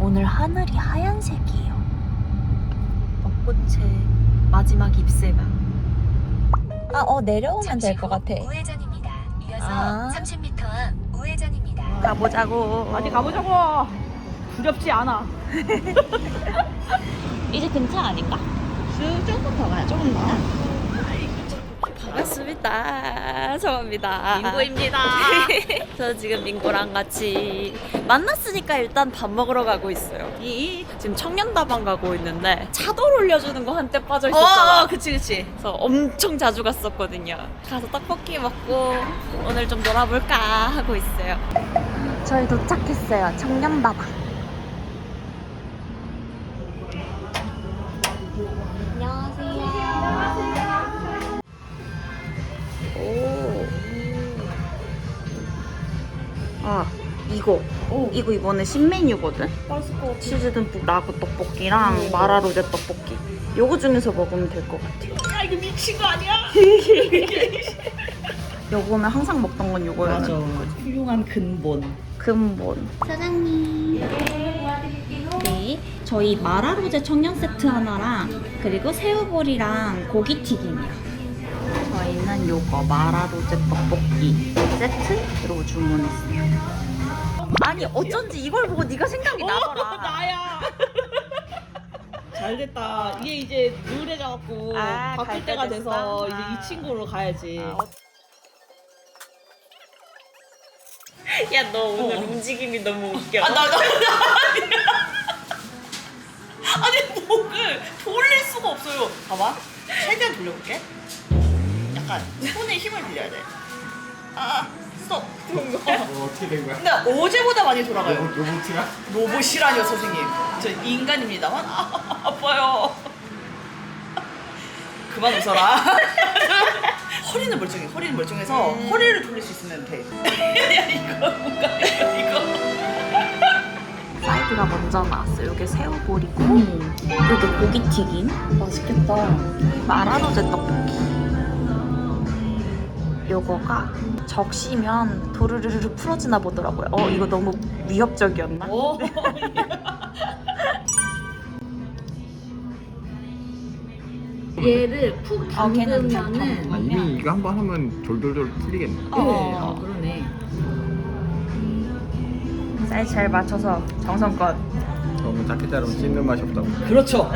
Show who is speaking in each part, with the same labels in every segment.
Speaker 1: 오늘 하늘이 하얀색이에요. 벚꽃의 마지막 잎새가. 내려오면 될 것 같아.
Speaker 2: 우회전입니다. 이어서 30m 앞 우회전입니다.
Speaker 1: 가보자고.
Speaker 3: 어디 가보자고. 두렵지 않아.
Speaker 1: 이제 근처 아닌가?
Speaker 3: 조금 더 가야 조금 더.
Speaker 1: 반갑습니다. 저입니다.
Speaker 3: 민구입니다.
Speaker 1: 저 지금 민구랑 같이 만났으니까 일단 밥 먹으러 가고 있어요. 지금 청년다방 가고 있는데 차돌 올려주는 거 한때 빠져 있었잖아.
Speaker 3: 그치.
Speaker 1: 그래서 엄청 자주 갔었거든요. 가서 떡볶이 먹고 오늘 좀 놀아볼까 하고 있어요. 저희 도착했어요. 청년다방. 안녕하세요. 오. 이거 이번에 신메뉴거든? 치즈 듬뿍 라구 떡볶이랑 마라로제 떡볶이. 요거 중에서 먹으면 될 것 같아.
Speaker 3: 야, 이거 미친 거 아니야?
Speaker 1: 요거는 항상 먹던 건 요거였는데.
Speaker 3: 훌륭한 근본.
Speaker 1: 근본. 사장님. 네, 저희 마라로제 청년 세트 하나랑 그리고 새우볼이랑 고기튀김이요. 저희는 요거 마라로제 떡볶이 세트로 주문했어요. 아니 어쩐지 이걸 보고 네가 생각이 나더라.
Speaker 3: 나야. 잘 됐다. 이게 이제 우울해져갖고
Speaker 1: 갈
Speaker 3: 바뀔
Speaker 1: 때
Speaker 3: 때가
Speaker 1: 됐어?
Speaker 3: 돼서 이제 이 친구로 가야지.
Speaker 1: 야, 너 오늘 움직임이 너무 웃겨.
Speaker 3: 나 아니 목을 돌릴 수가 없어요. 봐봐. 최대한 돌려볼게. 약간 손에 힘을 빌려야 돼. 스톱.
Speaker 4: 어떻게 된 거야?
Speaker 3: 근데 어제보다 많이 돌아가요.
Speaker 4: 로봇이야?
Speaker 3: 로봇이라뇨 선생님. 저 인간입니다만 아파요. 그만 웃어라. 허리는 멀쩡해. 허리는 멀쩡해서 허리를 돌릴 수 있으면 돼. 야 이거 뭔가 이거.
Speaker 1: 사이드가 먼저 나왔어요. 이게 새우볼이고 이게 고기튀김.
Speaker 3: 맛있겠다.
Speaker 1: 마라로제 떡볶이. 요거가 적시면 도르르르 풀어지나 보더라고요. 이거 너무 위협적이었나?
Speaker 3: 오. 얘를 푹
Speaker 1: 걔는
Speaker 3: 담그면은
Speaker 4: 이미 이거 한 번 하면 졸졸졸 풀리겠네.
Speaker 3: 그러네.
Speaker 1: 사이즈 잘 맞춰서 정성껏.
Speaker 4: 너무 작게 자르면 씹는 맛이 없다고.
Speaker 3: 그렇죠.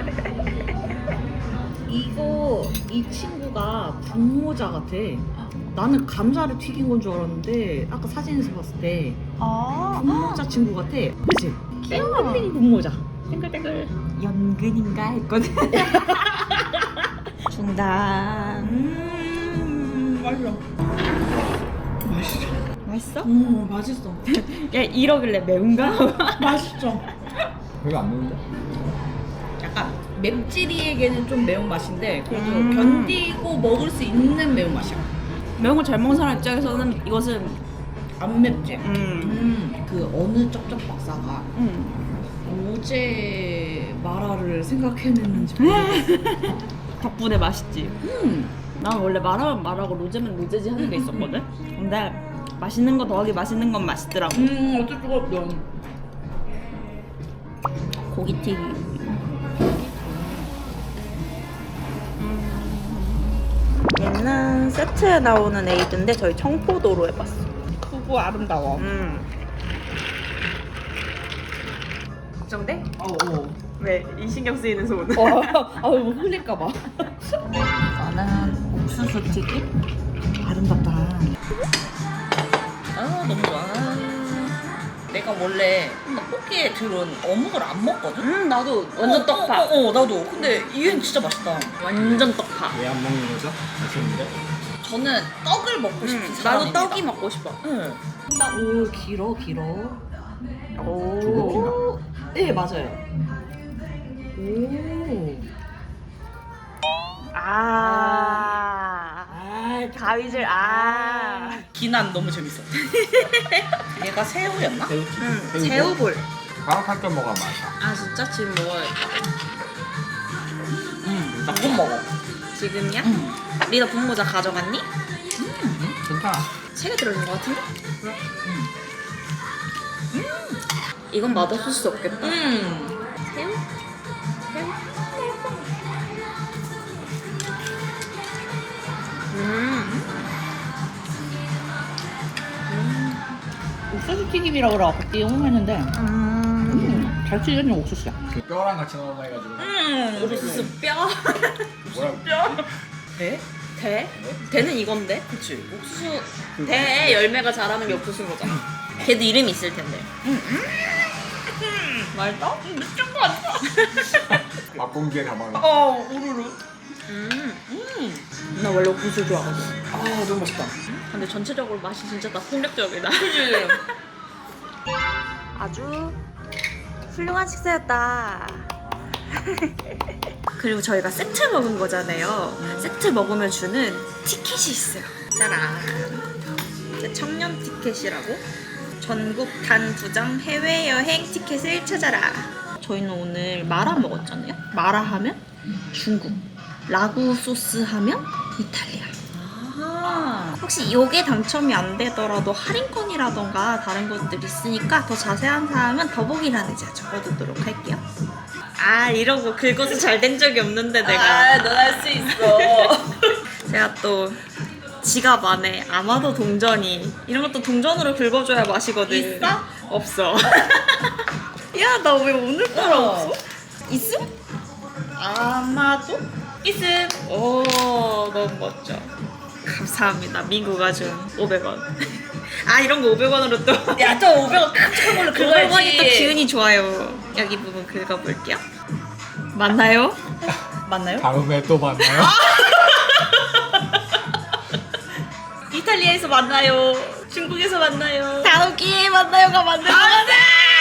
Speaker 3: 이 친구가 분모자 같아. 나는 감자를 튀긴 건 줄 알았는데 아까 사진에서 봤을 때 분모자 친구 같아. 그치?
Speaker 1: 귀여워.
Speaker 3: 땡땡 분모자. 땡글땡글.
Speaker 1: 연근인가 했거든. 중단.
Speaker 3: 맛있어.
Speaker 1: 맛있어?
Speaker 3: 맛있어.
Speaker 1: 야, 이러길래 매운가?
Speaker 3: 맛있어.
Speaker 4: 별로 안 매운데?
Speaker 3: 약간 맵찔이에게는 좀 매운 맛인데 그래도
Speaker 1: 음.
Speaker 3: 견디고 먹을 수 있는 매운 맛이야.
Speaker 1: 매운 거 잘 먹는 사람 입장에서는 이것은
Speaker 3: 안 맵지? 그 어느 쩝쩝 박사가 어제 마라를 생각해냈는지 모르겠어.
Speaker 1: 덕분에 맛있지. 난 원래 마라면 마라고 로제면 로제지 하는 게 있었거든. 근데 맛있는 거 더하기 맛있는 건 맛있더라고.
Speaker 3: 어쩔 수가 없어.
Speaker 1: 고기튀김. 얘는 세트에 나오는 에이드인데 저희 청포도로 해봤어.
Speaker 3: 크고 아름다워.
Speaker 1: 걱정돼?
Speaker 3: 어.
Speaker 1: 왜? 이 신경 쓰이는 소문.
Speaker 3: 뭐 흘릴까봐.
Speaker 1: 이거는 옥수수 튀김.
Speaker 3: 아름답다. 너무 좋아. 내가 원래 떡볶이에 들은 어묵을 안 먹거든?
Speaker 1: 나도 완전 떡파.
Speaker 3: 나도. 근데 얘는 진짜 맛있다.
Speaker 1: 완전 떡파.
Speaker 4: 왜 안 먹는 거죠? 맛있는데?
Speaker 3: 저는 떡을 먹고 싶은
Speaker 1: 나도
Speaker 3: 사람입니다.
Speaker 1: 떡이 먹고 싶어.
Speaker 3: 응. 오, 길어.
Speaker 1: 오.
Speaker 4: 조급인가?
Speaker 3: 네, 맞아요. 오.
Speaker 1: 가위질.
Speaker 3: 기난 너무 재밌어. 얘가 새우였나?
Speaker 1: 새우볼.
Speaker 4: 방학할 때 먹어야 맛있다.
Speaker 1: 진짜 지금 먹어야겠다.
Speaker 3: 이건 먹어.
Speaker 1: 지금이야? 리더 분모자 가져갔니?
Speaker 4: 괜찮아.
Speaker 1: 3개 들어있는 것 같은데? 이건 맛없을 수 없겠다. 새우?
Speaker 3: 옥수수 튀김이라고 그래갖고 띠용했는데 잘 튀겨진 옥수수야.
Speaker 4: 그 뼈랑 같이 넣어 해가지고.
Speaker 1: 옥수수 뼈?
Speaker 4: 뭐라고?
Speaker 3: 네?
Speaker 1: 대? 대는 이건데?
Speaker 3: 그치.
Speaker 1: 옥수수 대 열매가 자라는 게 옥수수인 거잖아. 걔도 이름이 있을 텐데. 맛있다? 미친 거 같아.
Speaker 4: 맛공기에 담아놔.
Speaker 3: 우르르.
Speaker 1: 나 원래 옥수수 좋아하거든.
Speaker 3: 아, 너무 맛있다.
Speaker 1: 근데 전체적으로 맛이 진짜 다 폭력적이다. 아주 훌륭한 식사였다. 그리고 저희가 세트 먹은 거잖아요. 세트 먹으면 주는 티켓이 있어요. 짜란. 청년 티켓이라고? 전국 단 2장 해외여행 티켓을 찾아라. 저희는 오늘 마라 먹었잖아요. 마라 하면 중국, 라구 소스 하면 이탈리아. 혹시 요게 당첨이 안 되더라도 할인권이라던가 다른 것들 있으니까 더 자세한 사항은 더보기란에 제가 적어두도록 할게요. 아, 이러고 긁어서 잘 된 적이 없는데 내가.
Speaker 3: 넌 할 수 있어.
Speaker 1: 제가 또 지갑 안에 아마도 동전이 이런 것도 동전으로 긁어줘야 맛이거든.
Speaker 3: 있어?
Speaker 1: 없어. 야, 나 왜 오늘따라 없어? 있음?
Speaker 3: 아마도?
Speaker 1: 있음. 오, 너무 멋져. 감사합니다. 민구가 준 500원. 아, 이런 거 500원으로 또.
Speaker 3: 야, 또 500원 깜짝 걸로
Speaker 1: 500원이 또 기운이 좋아요. 여기 부분 긁어볼게요. 맞나요?
Speaker 3: 맞나요?
Speaker 4: 다음에 또 만나요.
Speaker 3: 이탈리아에서 만나요. 중국에서 만나요.
Speaker 1: 다음 기회에 만나요가 맞는 거 같아.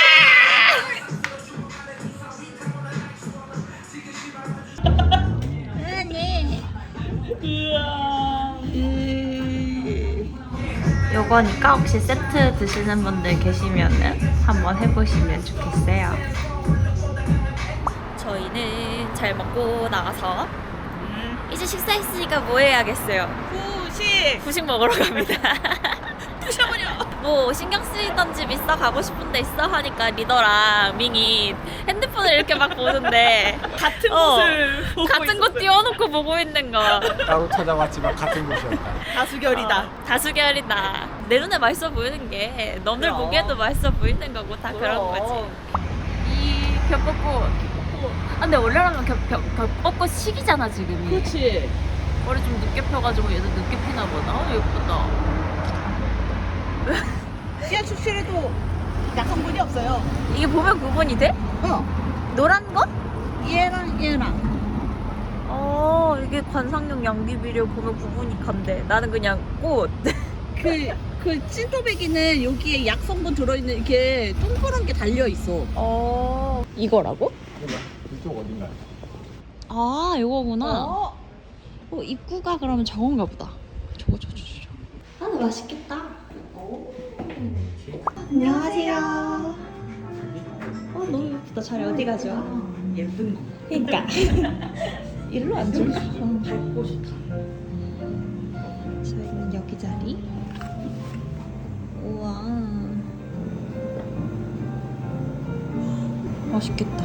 Speaker 1: 요거니까 혹시 세트 드시는 분들 계시면은 한번 해보시면 좋겠어요. 저희는 잘 먹고 나가서 이제 식사했으니까 뭐 해야겠어요? 후식 먹으러 갑니다. 뭐 신경 쓰이던 집 있어? 가고 싶은 데 있어? 하니까 리더랑 밍이 핸드폰을 이렇게 막 보는데
Speaker 3: 같은 곳을 보고
Speaker 1: 같은 곳 띄워놓고 보고 있는 거.
Speaker 4: 따로 찾아왔지만 같은 곳이었다.
Speaker 3: 다수결이다.
Speaker 1: 다수결이다. 내 눈에 맛있어 보이는 게 너들
Speaker 3: 그럼.
Speaker 1: 보기에도 맛있어 보이는 거고 다 그런
Speaker 3: 그럼.
Speaker 1: 거지. 이 겹벚꽃. 아, 근데 원래라면 겹벚꽃 시기잖아 지금이.
Speaker 3: 그렇지.
Speaker 1: 머리 좀 늦게 펴가지고 얘도 늦게 피나 보다. 예쁘다.
Speaker 3: 씨앗 출시에도 약한 분이 없어요.
Speaker 1: 이게 보면 구분이 돼? 노란 거?
Speaker 3: 얘랑
Speaker 1: 이게 관상용 양귀비를 보면 구분이 간대. 나는 그냥 꽃.
Speaker 3: 그 찐토배기는 여기에 약 성분 들어있는 이렇게 동그란 게 달려 있어.
Speaker 1: 이거라고?
Speaker 4: 몰라. 이쪽 어딘가요?
Speaker 1: 아, 이거구나. 입구가 그러면 저건가 보다. 저거. 아, 근데 맛있겠다. 안녕하세요. 너무 예쁘다. 자리 어디 가죠?
Speaker 3: 예쁜 거.
Speaker 1: 그러니까. 일로 앉을까?
Speaker 3: 밟고 싶다.
Speaker 1: 저희는 여기 자리. 우와. 맛있겠다.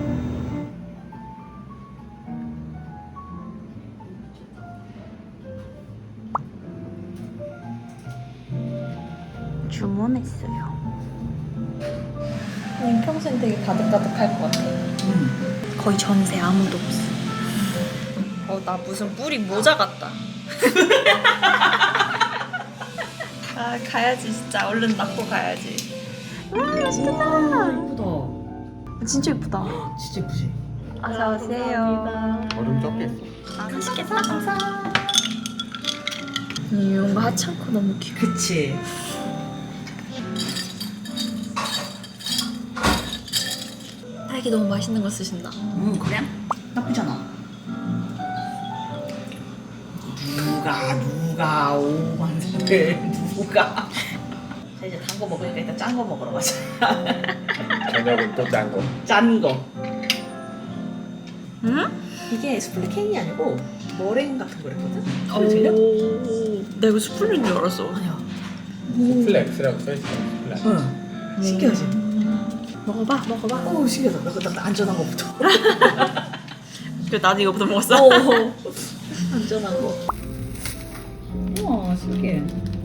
Speaker 1: 주문했어요. 평소엔 되게 가득가득할 것 같아. 거의 전세 아무도 없어. 나 무슨 뿌리 모자 같다. 아, 가야지 진짜. 얼른 낳고 가야지. 와, 맛있겠다.
Speaker 3: 예쁘다.
Speaker 1: 진짜 예쁘다.
Speaker 3: 진짜 예쁘지?
Speaker 1: 어서 오세요.
Speaker 4: 얼음 적게 했어.
Speaker 1: 아, 맛있겠다. 감사. 이런 거 하찮고 너무 귀여워.
Speaker 3: 그치.
Speaker 1: 딸기 너무 맛있는 거 쓰신다.
Speaker 3: 그래? 나쁘잖아. 누가 오만들 누가. 자, 이제 단 거 먹으니까 일단 짠 거 먹으러 가자.
Speaker 4: 저녁은 또 짠 거.
Speaker 3: 짠 거.
Speaker 1: 응?
Speaker 3: 이게 스플릿 케이크 아니고 머랭 같은 거랬거든?
Speaker 1: 오.
Speaker 3: 들려?
Speaker 1: 내가 이거 수플린 줄 알았어.
Speaker 3: 아니야.
Speaker 4: 플렉스라고 써있어. 플렉.
Speaker 3: 응. 신기하지? 먹어봐. 오, 신기하다. 나 안전한 거부터.
Speaker 1: 그 나도 이거부터 먹었어.
Speaker 3: 안전한 거. 우와, 신기해.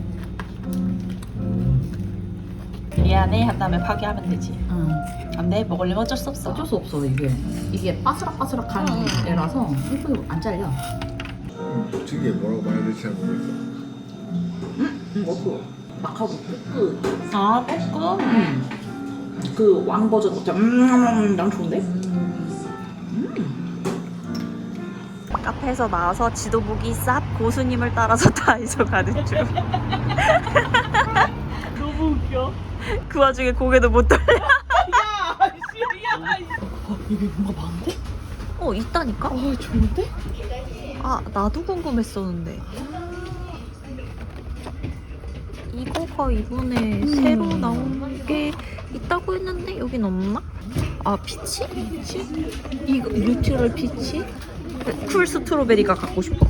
Speaker 1: 미안해 한 다음에 파괴하면 되지.
Speaker 3: 응.
Speaker 1: 안돼 먹으려면 어쩔 수 없어.
Speaker 3: 어쩔 수 없어, 이게 바스락바스락한 애라서 이거 안 잘려.
Speaker 4: 저게 뭐라고 말해야 될지 잘 모르겠어.
Speaker 3: 이거 마카오 볶음.
Speaker 1: 아 볶음.
Speaker 3: 그 왕 버전 어때? 난 좋은데?
Speaker 1: 카페에서 나와서 지도 보기 쌉 고수님을 따라서 다이소 가는 중.
Speaker 3: 너무 웃겨.
Speaker 1: 그 와중에 고개도 못 돌려.
Speaker 3: 여기 뭔가 많은데?
Speaker 1: 있다니까?
Speaker 3: 좋은데?
Speaker 1: 아 나도 궁금했었는데. 이거가 이번에 새로 나온 게 있다고 했는데 여긴 없나? 아 피치?
Speaker 3: 이거 뉴트럴 피치?
Speaker 1: 쿨 스트로베리가 갖고 싶어.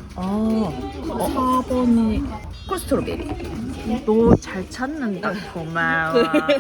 Speaker 3: 4번이 콜스트로베리.
Speaker 1: 너 잘 찾는다. 고마워.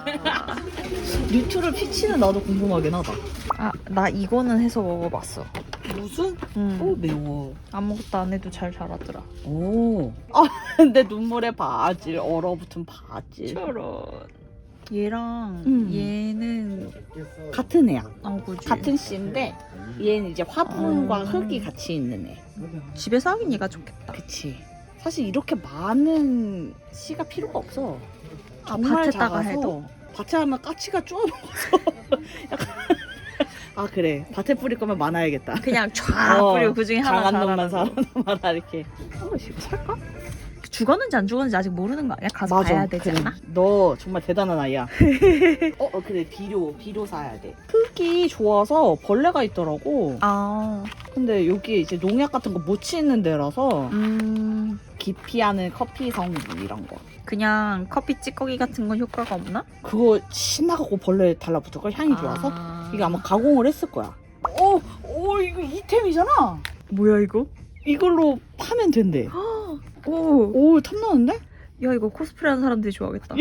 Speaker 3: 뉴트럴 피치는 나도 궁금하긴 하다.
Speaker 1: 아 나 이거는 해서 먹어봤어.
Speaker 3: 무슨?
Speaker 1: 응.
Speaker 3: 매워.
Speaker 1: 아무것도 안 해도 잘 자라더라.
Speaker 3: 오. 근데 눈물에 바질, 얼어붙은 바질.
Speaker 1: 저런. 얘랑 얘는
Speaker 3: 같은 애야.
Speaker 1: 그지.
Speaker 3: 같은 씨인데 얘는 이제 화분과 흙이 같이 있는 애.
Speaker 1: 집에서 하긴 얘가 좋겠다.
Speaker 3: 그치. 사실 이렇게 많은 씨가 필요가 없어.
Speaker 1: 아,
Speaker 3: 정말
Speaker 1: 밭에다가
Speaker 3: 작아서.
Speaker 1: 해도?
Speaker 3: 밭에 하면 까치가 쪼아먹어서. 약간 아 그래. 밭에 뿌릴 거면 많아야겠다.
Speaker 1: 그냥 쫙 뿌리고 그 중에 하나
Speaker 3: 장한 놈만
Speaker 1: 자라는
Speaker 3: 살아남아라 이렇게. 이거 살까?
Speaker 1: 죽었는지 안 죽었는지 아직 모르는 거 아니야? 가서 봐야 되지
Speaker 3: 그래.
Speaker 1: 않아?
Speaker 3: 너 정말 대단한 아이야. 그래 비료 사야 돼. 흙이 좋아서 벌레가 있더라고.
Speaker 1: 아,
Speaker 3: 근데 여기 이제 농약 같은 거 못 치는 데라서 기피하는 커피 성분 이런 거.
Speaker 1: 그냥 커피 찌꺼기 같은 건 효과가 없나?
Speaker 3: 그거 신나갖고 벌레 달라붙을 걸 향이 좋아서 이거 아마 가공을 했을 거야. 이거 이템이잖아.
Speaker 1: 뭐야 이거?
Speaker 3: 이걸로 파면 된대.
Speaker 1: 오,
Speaker 3: 탐나는데?
Speaker 1: 야 이거 코스프레하는 사람들이 좋아하겠다.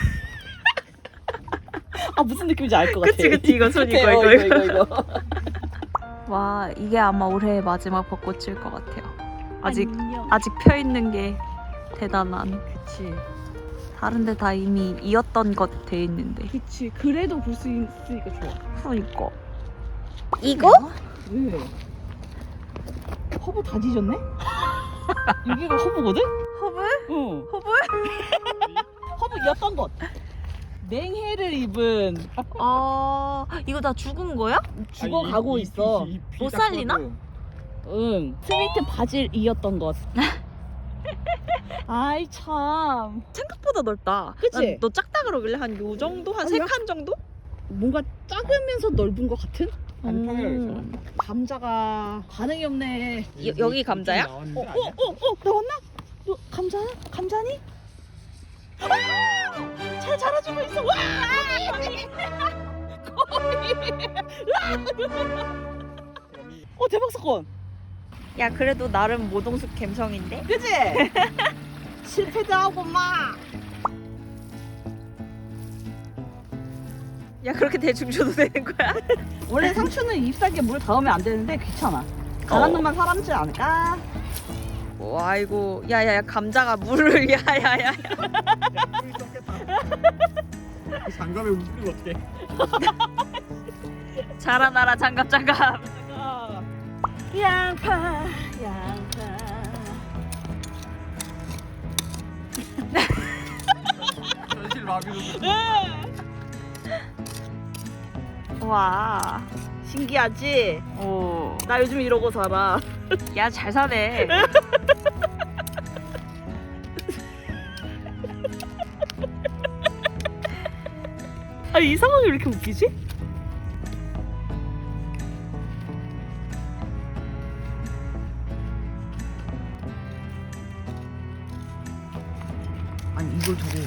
Speaker 3: 무슨 느낌인지 알 것 같아.
Speaker 1: 그치 이거 손
Speaker 3: 그치,
Speaker 1: 이거. 와 이게 아마 올해의 마지막 벚꽃일 것 같아요. 아직 펴 있는 게 대단한.
Speaker 3: 그치.
Speaker 1: 다른데 다 이미 이었던 것 돼 있는데.
Speaker 3: 그치. 그래도 볼 수 있으니까 좋아.
Speaker 1: 그러니까. 이거?
Speaker 3: 왜? 허브 다 뒤졌네? 여기가 허브거든?
Speaker 1: 허브?
Speaker 3: 응.
Speaker 1: 허브?
Speaker 3: 허브였던 것. 냉해를 입은
Speaker 1: 아 이거 다 죽은 거야?
Speaker 3: 죽어가고 있어.
Speaker 1: 못 살리나?
Speaker 3: 응. 스위트 바질이었던 것. 아이 참.
Speaker 1: 생각보다 넓다.
Speaker 3: 그치?
Speaker 1: 난 너 작다 그러길래 한 요 정도? 한 세 칸 정도?
Speaker 3: 뭔가 작으면서 넓은 것 같은?
Speaker 1: 음.
Speaker 3: 감자가 반응이 없네.
Speaker 1: 여기 감자야?
Speaker 3: 나왔나? 너 감자니? 잘 자라주고 있어. 와! 대박 사건.
Speaker 1: 야 그래도 나름 모동숙 감성인데?
Speaker 3: 그치? 실패도 하고 막.
Speaker 1: 야 그렇게 대충 줘도 되는 거야?
Speaker 3: 원래 상추는 잎사귀에 물 닿으면 안 되는데 귀찮아. 가난 놈만 사람지 않을까?
Speaker 1: 와 이거 야야야 감자가 물을 야야야
Speaker 4: 장갑에 물을 어떻게?
Speaker 1: 자라나라 장갑
Speaker 3: 양파.
Speaker 4: 현실 마비로.
Speaker 1: 와.
Speaker 3: 신기하지?
Speaker 1: 오.
Speaker 3: 나 요즘 이러고 살아.
Speaker 1: 야 잘 사네.
Speaker 3: 이 상황이 왜 이렇게 웃기지? 아니 이걸 두고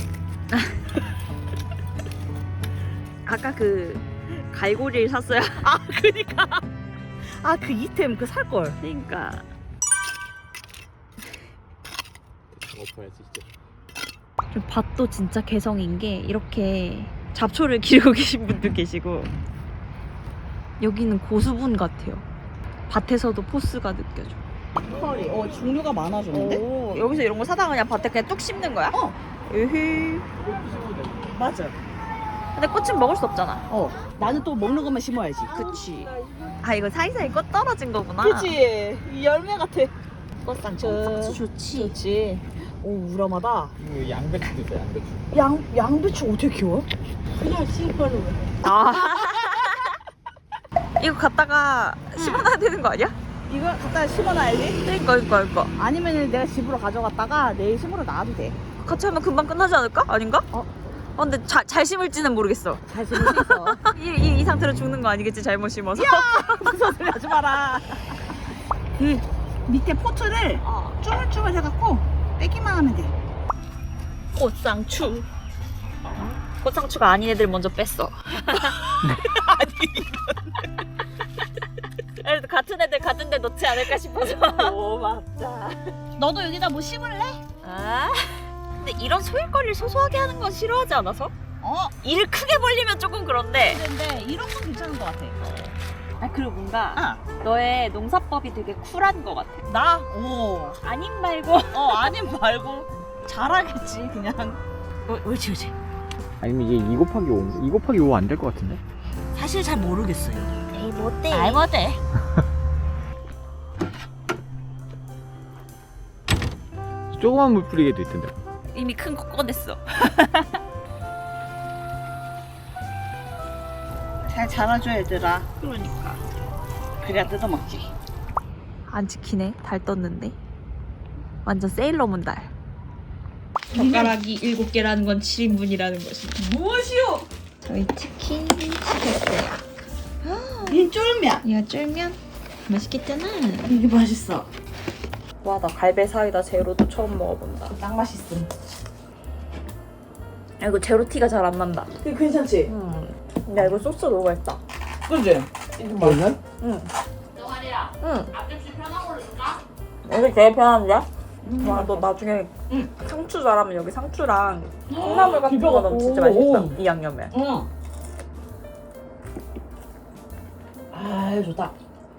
Speaker 1: 아까 그 갈고리를 샀어야.
Speaker 3: 그니까 그 이템 그 살걸.
Speaker 1: 그러니까.
Speaker 4: 엎어야지 진짜.
Speaker 1: 좀 밭도 진짜 개성인 게 이렇게 잡초를 기르고 계신 분도 계시고 여기는 고수분 같아요. 밭에서도 포스가 느껴져.
Speaker 3: 털이 종류가 많아졌는데?
Speaker 1: 오, 여기서 이런 거 사다가 그냥 밭에 그냥 뚝 심는 거야? 으흐.
Speaker 3: 맞아.
Speaker 1: 근데 꽃은 먹을 수 없잖아.
Speaker 3: 나는 또 먹는 것만 심어야지.
Speaker 1: 그치. 아 이거 사이사이 꽃 떨어진 거구나.
Speaker 3: 그치. 이 열매 같아. 꽃상추.
Speaker 1: 좋지.
Speaker 3: 좋지. 오, 우람하다.
Speaker 4: 이거 양배추도 있어, 양배추.
Speaker 3: 양배추 어떻게 키워? 그냥 씨발로.
Speaker 1: 아. 이거 갖다가 심어놔야 되는 거 아니야?
Speaker 3: 이거 갖다 심어놔야지.
Speaker 1: 그러니까.
Speaker 3: 아니면 내가 집으로 가져갔다가 내일 심으러 놔도 돼.
Speaker 1: 같이 하면 금방 끝나지 않을까? 아닌가? 근데 잘 심을지는 모르겠어.
Speaker 3: 잘 심을 수 있어.
Speaker 1: 이 상태로 죽는 거 아니겠지? 잘못 심어서.
Speaker 3: 무슨 소리 하지 마라. 그 밑에 포트를 쭈물쭈물 해갖고 빼기만 하면 돼.
Speaker 1: 꽃상추. 꽃상추가 아닌 애들 먼저 뺐어. 그래도 같은 애들 같은 데 넣지 않을까 싶어서.
Speaker 3: 오, 맞다. 너도 여기다 뭐 심을래?
Speaker 1: 아. 근데 이런 소일거리를 소소하게 하는 건 싫어하지 않아서? 일을 크게 벌리면 조금 그런데.
Speaker 3: 근데 이런 건 괜찮은 것 같아.
Speaker 1: 그리고 뭔가 너의 농사법이 되게 쿨한 것 같아.
Speaker 3: 나?
Speaker 1: 아님 말고.
Speaker 3: 아님 말고 잘하겠지 그냥. 옳지.
Speaker 4: 아니면 이게 2 곱하기 5? 2 곱하기 5 안 될 것 같은데?
Speaker 3: 사실 잘 모르겠어요.
Speaker 1: 에이 못돼.
Speaker 3: 아이 못해.
Speaker 4: 조그만 물 뿌리게도 있던데.
Speaker 1: 이미 큰 거 꺼냈어.
Speaker 3: 잘 자라줘 얘들아. 그러니까. 그래야 뜯어먹지.
Speaker 1: 안 지키네. 달 떴는데. 완전 세일러문 달. 젓가락이 7개라는 건 7인분이라는 것이.
Speaker 3: 무엇이오?
Speaker 1: 저희 치킨 시켰어요.
Speaker 3: 이 쫄면.
Speaker 1: 이거 쫄면 맛있겠잖아.
Speaker 3: 이게 맛있어.
Speaker 1: 와, 나 갈배 사이다 제로도 처음 먹어본다.
Speaker 3: 딱 맛있음.
Speaker 1: 야, 이거 제로 티가 잘 안 난다.
Speaker 3: 이거 괜찮지?
Speaker 1: 야, 이거 소스 너무 맛있다.
Speaker 3: 그지? 이거 맛있어?
Speaker 1: 응. 응. 앞접시 편한 걸로 줄까? 여기 제일 편한데? 와, 너 나중에 상추 잘하면 여기 상추랑 콩나물 같은 거 넣으면 진짜 맛있겠다. 이 양념에.
Speaker 3: 응. 아, 좋다.